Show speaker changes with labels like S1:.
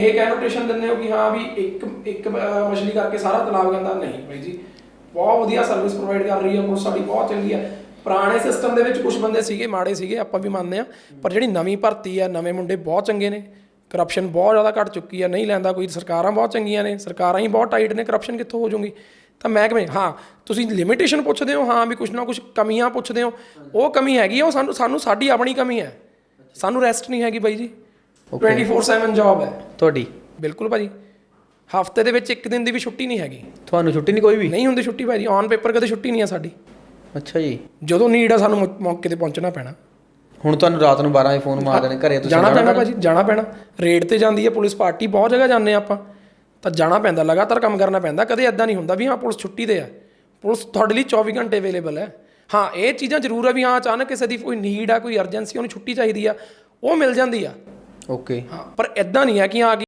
S1: ਇਹ ਕੈਨੋਟੇਸ਼ਨ ਦਿੰਦੇ ਹੋ ਕਿ ਹਾਂ ਵੀ ਇੱਕ ਮਛਲੀ ਕਰਕੇ ਸਾਰਾ ਤਲਾਬ ਗੰਦਾ, ਨਹੀਂ ਬਾਈ ਜੀ। ਬਹੁਤ ਵਧੀਆ ਸਰਵਿਸ ਪ੍ਰੋਵਾਈਡ ਕਰ ਰਹੀ ਹੈ ਪੁਲਿਸ, ਸਾਡੀ ਬਹੁਤ ਚੰਗੀ ਹੈ। ਪੁਰਾਣੇ ਸਿਸਟਮ ਦੇ ਵਿੱਚ ਕੁਝ ਬੰਦੇ ਸੀਗੇ ਮਾੜੇ ਸੀਗੇ, ਆਪਾਂ ਵੀ ਮੰਨਦੇ ਹਾਂ, ਪਰ ਜਿਹੜੀ ਨਵੀਂ ਭਰਤੀ ਆ, ਨਵੇਂ ਮੁੰਡੇ ਬਹੁਤ ਚੰਗੇ ਨੇ। ਕਰਪਸ਼ਨ ਬਹੁਤ ਜ਼ਿਆਦਾ ਘੱਟ ਚੁੱਕੀ ਆ, ਨਹੀਂ ਲੈਂਦਾ ਕੋਈ। ਸਰਕਾਰਾਂ ਬਹੁਤ ਚੰਗੀਆਂ ਨੇ, ਸਰਕਾਰਾਂ ਹੀ ਬਹੁਤ ਟਾਈਟ ਨੇ, ਕਰਪਸ਼ਨ ਕਿੱਥੋਂ ਹੋ ਜੂਗੀ। ਤਾਂ ਮੈਂ ਕਿਵੇਂ, ਹਾਂ ਤੁਸੀਂ ਲਿਮਿਟੇਸ਼ਨ ਪੁੱਛਦੇ ਹੋ, ਹਾਂ ਵੀ ਕੁਛ ਨਾ ਕੁਛ ਕਮੀਆਂ ਪੁੱਛਦੇ ਹੋ, ਉਹ ਕਮੀ ਹੈਗੀ ਆ, ਉਹ ਸਾਨੂੰ ਸਾਡੀ ਆਪਣੀ ਕਮੀ ਹੈ। ਸਾਨੂੰ ਰੈਸਟ ਨਹੀਂ ਹੈਗੀ ਬਾਈ ਜੀ, 24/7 ਜੌਬ ਹੈ
S2: ਤੁਹਾਡੀ।
S1: ਬਿਲਕੁਲ ਭਾਜੀ, ਹਫਤੇ ਦੇ ਵਿੱਚ ਇੱਕ ਦਿਨ ਦੀ ਵੀ ਛੁੱਟੀ ਨਹੀਂ ਹੈਗੀ।
S2: ਤੁਹਾਨੂੰ ਛੁੱਟੀ ਨਹੀਂ ਕੋਈ ਵੀ?
S1: ਨਹੀਂ ਹੁੰਦੀ ਛੁੱਟੀ ਭਾਜੀ, ਔਨ ਪੇਪਰ ਕਦੇ ਛੁੱਟੀ ਨਹੀਂ ਆ ਸਾਡੀ।
S2: ਅੱਛਾ ਜੀ।
S1: ਜਦੋਂ ਨੀਡ ਆ ਸਾਨੂੰ ਮੌਕੇ 'ਤੇ ਪਹੁੰਚਣਾ ਪੈਣਾ।
S2: ਹੁਣ ਤੁਹਾਨੂੰ ਰਾਤ ਨੂੰ 12 ਵਜੇ ਫੋਨ ਮਾਰ ਦੇਣੇ ਘਰੇ, ਤੁਸੀਂ
S1: ਜਾਣਾ ਪੈਣਾ ਭਾਜੀ, ਜਾਣਾ ਪੈਣਾ। ਰੇਡ 'ਤੇ ਜਾਂਦੀ ਹੈ ਪੁਲਿਸ ਪਾਰਟੀ, ਬਹੁਤ ਜਗ੍ਹਾ ਜਾਂਦੇ ਆਪਾਂ, ਤਾਂ ਜਾਣਾ ਪੈਂਦਾ, ਲਗਾਤਾਰ ਕੰਮ ਕਰਨਾ ਪੈਂਦਾ। ਕਦੇ ਇੱਦਾਂ ਨਹੀਂ ਹੁੰਦਾ ਵੀ ਹਾਂ ਪੁਲਿਸ ਛੁੱਟੀ 'ਤੇ ਆ। ਪੁਲਿਸ ਤੁਹਾਡੇ ਲਈ 24 ਘੰਟੇ ਅਵੇਲੇਬਲ ਹੈ। ਹਾਂ ਇਹ ਚੀਜ਼ਾਂ ਜ਼ਰੂਰ ਆ ਵੀ ਹਾਂ ਅਚਾਨਕ ਕਿਸੇ ਦੀ ਕੋਈ ਨੀਡ ਆ, ਕੋਈ ਅਰਜੈਂਸੀ, ਉਹਨੂੰ ਛੁੱਟੀ ਚਾਹੀਦੀ ਆ, ਉਹ ਮਿਲ ਜਾਂਦੀ ਆ।
S2: ਓਕੇ।
S1: ਹਾਂ ਪਰ ਇੱਦਾਂ ਨਹੀਂ ਹੈ ਕਿ ਹਾਂ